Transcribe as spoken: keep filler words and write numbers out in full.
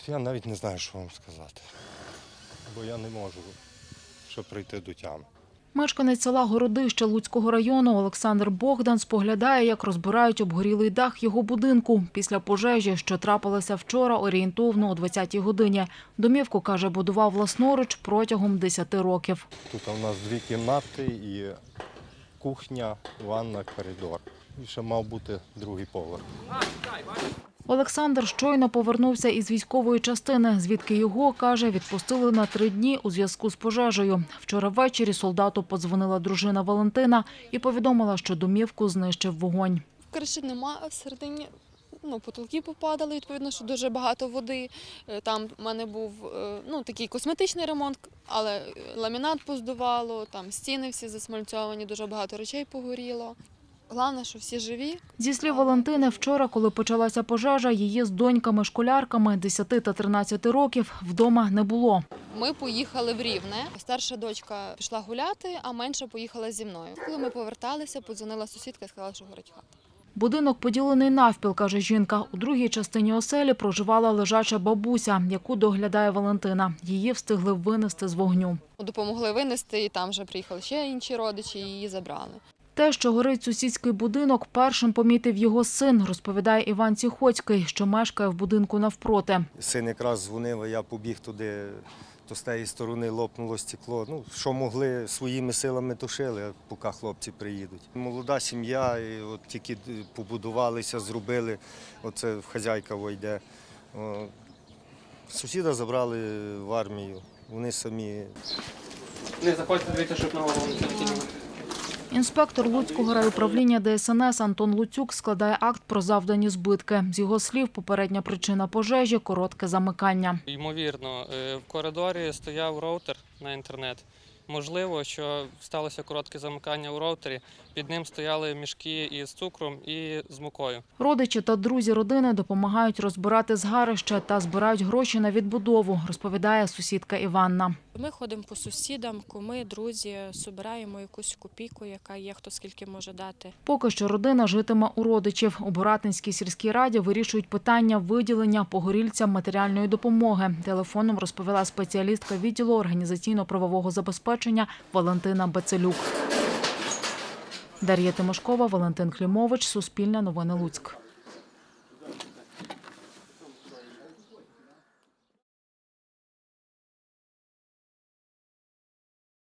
Я навіть не знаю, що вам сказати, бо я не можу, щоб прийти до тями. Мешканець села Городище Луцького району Олександр Богдан споглядає, як розбирають обгорілий дах його будинку після пожежі, що трапилася вчора орієнтовно о двадцятій годині. Домівку, каже, будував власноруч протягом десяти років. Тут у нас дві кімнати і кухня, ванна, коридор. І ще мав бути другий поверх. Олександр щойно повернувся із військової частини, звідки його, каже, відпустили на три дні у зв'язку з пожежею. Вчора ввечері солдату подзвонила дружина Валентина і повідомила, що домівку знищив вогонь. Криші немає, а всередині ну, потолки попадали, відповідно, що дуже багато води. Там в мене був ну, такий косметичний ремонт, але ламінат поздувало, там стіни всі засмальцьовані, дуже багато речей погоріло. Головне, що всі живі. Зі слів Валентини, вчора, коли почалася пожежа, її з доньками-школярками десяти та тринадцяти років вдома не було. Ми поїхали в Рівне. Старша дочка пішла гуляти, а менша поїхала зі мною. Коли ми поверталися, подзвонила сусідка і сказала, що горить хата. Будинок поділений навпіл, каже жінка. У другій частині оселі проживала лежача бабуся, яку доглядає Валентина. Її встигли винести з вогню. Допомогли винести, і там вже приїхали ще інші родичі, і її забрали. Те, що горить сусідський будинок, першим помітив його син, розповідає Іван Ціхоцький, що мешкає в будинку навпроти. Син якраз дзвонив, а я побіг туди, то з тієї сторони лопнуло стекло. Ну, що могли, своїми силами тушили, поки хлопці приїдуть. Молода сім'я, і от тільки побудувалися, зробили, оце хазяйка вийде. Сусіда забрали в армію, вони самі. Не заходьте, дивіться, щоб на голову не летіло. Інспектор Луцького райуправління Де Ес Ен Ес Антон Луцюк складає акт про завдані збитки. З його слів, попередня причина пожежі – коротке замикання. Ймовірно, в коридорі стояв роутер на інтернет. Можливо, що сталося коротке замикання у роутері, під ним стояли мішки із цукром і з мукою. Родичі та друзі родини допомагають розбирати згарище та збирають гроші на відбудову, розповідає сусідка Іванна. Ми ходимо по сусідам, куми, друзі, збираємо якусь копійку, яка є, хто скільки може дати. Поки що родина житиме у родичів. У Боратинській сільській раді вирішують питання виділення погорільцям матеріальної допомоги. Телефоном розповіла спеціалістка відділу організаційно-правового забезпечення Валентина Бацелюк. Дар'я Тимошкова, Валентин Клімович, Суспільне новини Луцьк.